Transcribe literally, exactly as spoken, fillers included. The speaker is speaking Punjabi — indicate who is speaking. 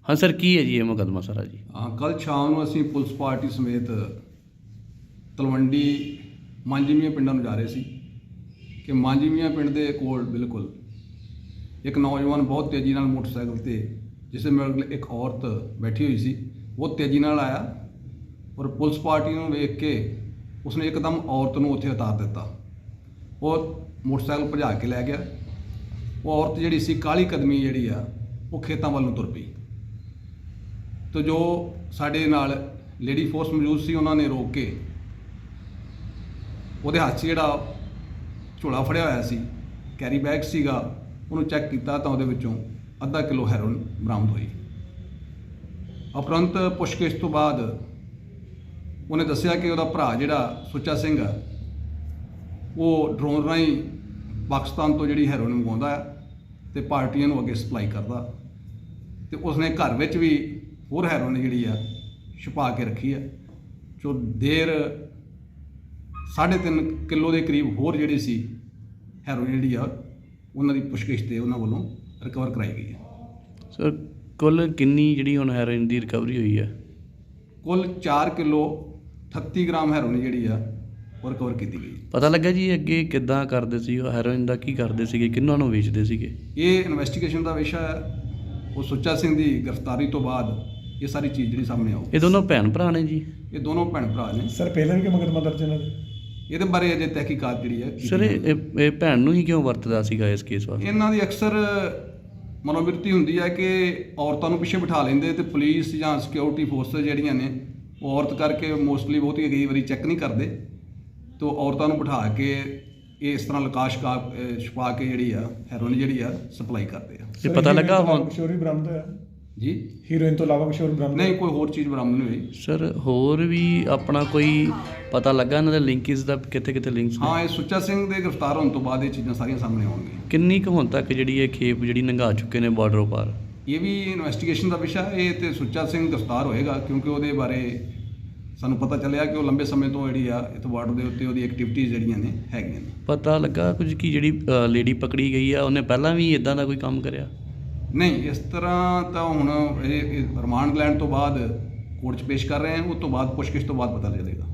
Speaker 1: ਹਾਂ ਸਰ, ਕੀ ਹੈ ਜੀ ਇਹ ਮੁਕੱਦਮਾ ਸਾਰਾ ਜੀ?
Speaker 2: ਹਾਂ, ਕੱਲ੍ਹ ਸ਼ਾਮ ਨੂੰ ਅਸੀਂ ਪੁਲਿਸ ਪਾਰਟੀ ਸਮੇਤ ਤਲਵੰਡੀ ਮਾਂਜੀਮੀਆਂ ਪਿੰਡਾਂ ਨੂੰ ਜਾ ਰਹੇ ਸੀ ਕਿ ਮਾਂਜੀਮੀਆਂ ਪਿੰਡ ਦੇ ਕੋਲ ਬਿਲਕੁਲ ਇੱਕ ਨੌਜਵਾਨ ਬਹੁਤ ਤੇਜ਼ੀ ਨਾਲ ਮੋਟਰਸਾਈਕਲ 'ਤੇ, ਜਿਸ ਦੇ ਮਗਰ ਇੱਕ ਔਰਤ ਬੈਠੀ ਹੋਈ ਸੀ, ਉਹ ਤੇਜ਼ੀ ਨਾਲ ਆਇਆ ਔਰ ਪੁਲਿਸ ਪਾਰਟੀ ਨੂੰ ਵੇਖ ਕੇ ਉਸਨੇ ਇੱਕਦਮ ਔਰਤ ਨੂੰ ਉੱਥੇ ਉਤਾਰ ਦਿੱਤਾ। ਉਹ ਮੋਟਰਸਾਈਕਲ ਭਜਾ ਕੇ ਲੈ ਗਿਆ। ਉਹ ਔਰਤ ਜਿਹੜੀ ਸੀ ਕਾਹਲੀ ਕਦਮੀ ਜਿਹੜੀ ਆ ਉਹ ਖੇਤਾਂ ਵੱਲ ਨੂੰ ਤੁਰ ਪਈ। ਤੋ ਜੋ ਸਾਡੇ ਨਾਲ ਲੇਡੀ ਫੋਰਸ ਮੌਜੂਦ ਸੀ, ਉਹਨਾਂ ਨੇ ਰੋਕ ਕੇ ਉਹਦੇ ਹੱਥ 'ਚ ਜਿਹੜਾ ਝੋਲਾ ਫੜਿਆ ਹੋਇਆ ਸੀ, ਕੈਰੀ ਬੈਗ ਸੀਗਾ, ਉਹਨੂੰ ਚੈੱਕ ਕੀਤਾ ਤਾਂ ਉਹਦੇ ਵਿੱਚੋਂ ਅੱਧਾ ਕਿਲੋ ਹੈਰੋਇਨ ਬਰਾਮਦ ਹੋਈ। ਉਪਰੰਤ ਪੁੱਛਗਿੱਛ ਤੋਂ ਬਾਅਦ ਉਹਨੇ ਦੱਸਿਆ ਕਿ ਉਹਦਾ ਭਰਾ ਜਿਹੜਾ ਸੁੱਚਾ ਸਿੰਘ ਆ, ਉਹ ਡਰੋਨ ਰਾਹੀਂ ਪਾਕਿਸਤਾਨ ਤੋਂ ਜਿਹੜੀ ਹੈਰੋਇਨ ਮੰਗਵਾਉਂਦਾ ਹੈ ਅਤੇ ਪਾਰਟੀਆਂ ਨੂੰ ਅੱਗੇ ਸਪਲਾਈ ਕਰਦਾ, ਅਤੇ ਉਸਨੇ ਘਰ ਵਿੱਚ ਵੀ ਹੋਰ ਹੈਰੋਇਨ ਜਿਹੜੀ ਆ ਛੁਪਾ ਕੇ ਰੱਖੀ ਹੈ। ਜੋ ਦੇਰ ਸਾਢੇ ਤਿੰਨ ਕਿਲੋ ਦੇ ਕਰੀਬ ਹੋਰ ਜਿਹੜੀ ਸੀ ਹੈਰੋਇਨ ਜਿਹੜੀ ਆ ਉਹਨਾਂ ਦੀ ਪੁੱਛਗਿੱਛ 'ਤੇ ਉਹਨਾਂ ਵੱਲੋਂ ਰਿਕਵਰ ਕਰਾਈ ਗਈ ਹੈ।
Speaker 1: ਸਰ, ਕੁੱਲ ਕਿੰਨੀ ਜਿਹੜੀ ਹੁਣ ਹੈਰੋਇਨ ਦੀ ਰਿਕਵਰੀ ਹੋਈ ਹੈ?
Speaker 2: ਕੁੱਲ ਚਾਰ ਕਿਲੋ ਅਠੱਤੀ ਗ੍ਰਾਮ ਹੈਰੋਇਨ ਜਿਹੜੀ ਆ ਉਹ ਰਿਕਵਰ ਕੀਤੀ ਗਈ।
Speaker 1: ਪਤਾ ਲੱਗਾ ਜੀ ਅੱਗੇ ਕਿੱਦਾਂ ਕਰਦੇ ਸੀ ਉਹ ਹੈਰੋਇਨ ਦਾ, ਕੀ ਕਰਦੇ ਸੀਗੇ, ਕਿਹਨਾਂ ਨੂੰ ਵੇਚਦੇ ਸੀਗੇ?
Speaker 2: ਇਹ ਇਨਵੈਸਟੀਗੇਸ਼ਨ ਦਾ ਵਿਸ਼ਾ ਹੈ। ਉਹ ਸੁੱਚਾ ਸਿੰਘ ਦੀ ਗ੍ਰਿਫਤਾਰੀ ਤੋਂ ਬਾਅਦ ਇਹ ਸਾਰੀ ਚੀਜ਼ ਜਿਹੜੀ ਸਾਹਮਣੇ ਆਊ।
Speaker 1: ਇਹ ਦੋਨੋਂ ਭੈਣ ਭਰਾ ਨੇ ਜੀ?
Speaker 2: ਇਹ ਦੋਨੋਂ ਭੈਣ ਭਰਾ ਨੇ।
Speaker 3: ਸਰ, ਪਹਿਲਾਂ ਵੀ ਕਿ ਮੁਕੱਦਮਾ ਦਰਜ ਇਹਨਾਂ ਦੇ?
Speaker 2: ਇਹਦੇ ਬਾਰੇ ਅਜੇ ਤਹਿਕੀਕਾਤ ਜਿਹੜੀ ਹੈ।
Speaker 1: ਸਰ, ਇਹ ਇਹ ਭੈਣ ਨੂੰ ਹੀ ਕਿਉਂ ਵਰਤਦਾ ਸੀਗਾ ਇਸ ਕੇਸ ਵਾਸਤੇ?
Speaker 2: ਇਹਨਾਂ ਦੀ ਅਕਸਰ ਮਨੋਵਿਰਤੀ ਹੁੰਦੀ ਹੈ ਕਿ ਔਰਤਾਂ ਨੂੰ ਪਿੱਛੇ ਬਿਠਾ ਲੈਂਦੇ ਅਤੇ ਪੁਲਿਸ ਜਾਂ ਸਿਕਿਉਰਿਟੀ ਫੋਰਸਿਸ ਜਿਹੜੀਆਂ ਨੇ ਉਹ ਔਰਤ ਕਰਕੇ ਮੋਸਟਲੀ ਬਹੁਤੀ ਕਈ ਵਾਰੀ ਚੈੱਕ ਨਹੀਂ ਕਰਦੇ, ਤਾਂ ਔਰਤਾਂ ਨੂੰ ਬਿਠਾ ਕੇ ਇਹ ਇਸ ਤਰ੍ਹਾਂ ਲਕਾਸ਼ ਕਾ ਛੁਪਾ ਕੇ ਜਿਹੜੀ ਆ ਹੈਰੋਇਨ ਜਿਹੜੀ ਆ ਸਪਲਾਈ ਕਰਦੇ ਆ।
Speaker 1: ਇਹ ਪਤਾ ਲੱਗਾ ਹੁਣ
Speaker 3: ਕਿਸ਼ੋਰ ਵੀ ਬਰਾਮਦ ਹੋਇਆ
Speaker 2: ਜੀ?
Speaker 3: ਹੀਰੋਇਨ ਤੋਂ ਇਲਾਵਾ ਕਿਸ਼ੋਰ ਬਰਾਮਦ
Speaker 2: ਨਹੀਂ, ਕੋਈ ਹੋਰ ਚੀਜ਼ ਬਰਾਮਦ ਨਹੀਂ ਹੋਈ।
Speaker 1: ਸਰ, ਹੋਰ ਵੀ ਆਪਣਾ ਕੋਈ ਪਤਾ ਲੱਗਾ ਇਹਨਾਂ ਦੇ ਲਿੰਕਸ ਦਾ, ਕਿੱਥੇ ਕਿੱਥੇ ਲਿੰਕਸ ਨੇ?
Speaker 2: ਹਾਂ, ਇਹ ਸੁੱਚਾ ਸਿੰਘ ਦੇ ਗ੍ਰਿਫਤਾਰ ਹੋਣ ਤੋਂ ਬਾਅਦ ਇਹ ਚੀਜ਼ਾਂ ਸਾਰੀਆਂ ਸਾਹਮਣੇ ਆਉਣਗੀਆਂ।
Speaker 1: ਕਿੰਨੀ ਕੁ ਹੁਣ ਤੱਕ ਜਿਹੜੀ ਇਹ ਖੇਪ ਜਿਹੜੀ ਲੰਘਾ ਚੁੱਕੇ ਨੇ ਬਾਰਡਰੋਂ ਪਾਰ?
Speaker 2: ਇਹ ਵੀ ਇਨਵੈਸਟੀਗੇਸ਼ਨ ਦਾ ਵਿਸ਼ਾ ਹੈ। ਇਹ ਤੇ ਸੁੱਚਾ ਸਿੰਘ ਗ੍ਰਿਫਤਾਰ ਹੋਏਗਾ ਕਿਉਂਕਿ ਉਹਦੇ ਬਾਰੇ ਸਾਨੂੰ ਪਤਾ ਚੱਲਿਆ ਕਿ ਉਹ ਲੰਬੇ ਸਮੇਂ ਤੋਂ ਜਿਹੜੀ ਆ ਇੱਥੇ ਬਾਰਡਰ ਦੇ ਉੱਤੇ ਉਹਦੀ ਐਕਟੀਵਿਟੀਜ਼ ਜਿਹੜੀਆਂ ਨੇ ਹੈਗੀਆਂ ਨੇ।
Speaker 1: ਪਤਾ ਲੱਗਾ ਕੁਝ ਕਿ ਜਿਹੜੀ ਲੇਡੀ ਪਕੜੀ ਗਈ ਆ ਉਹਨੇ ਪਹਿਲਾਂ ਵੀ ਇਦਾਂ ਦਾ ਕੋਈ ਕੰਮ ਕਰਿਆ?
Speaker 2: ਨਹੀਂ, ਇਸ ਤਰ੍ਹਾਂ ਤਾਂ ਹੁਣ ਇਹ ਰਿਮਾਂਡ ਲੈਣ ਤੋਂ ਬਾਅਦ ਕੋਰਟ 'ਚ ਪੇਸ਼ ਕਰ ਰਹੇ ਹਾਂ, ਉਸ ਤੋਂ ਬਾਅਦ ਪੁੱਛਗਿੱਛ ਤੋਂ ਬਾਅਦ ਪਤਾ ਚੱਲੇਗਾ।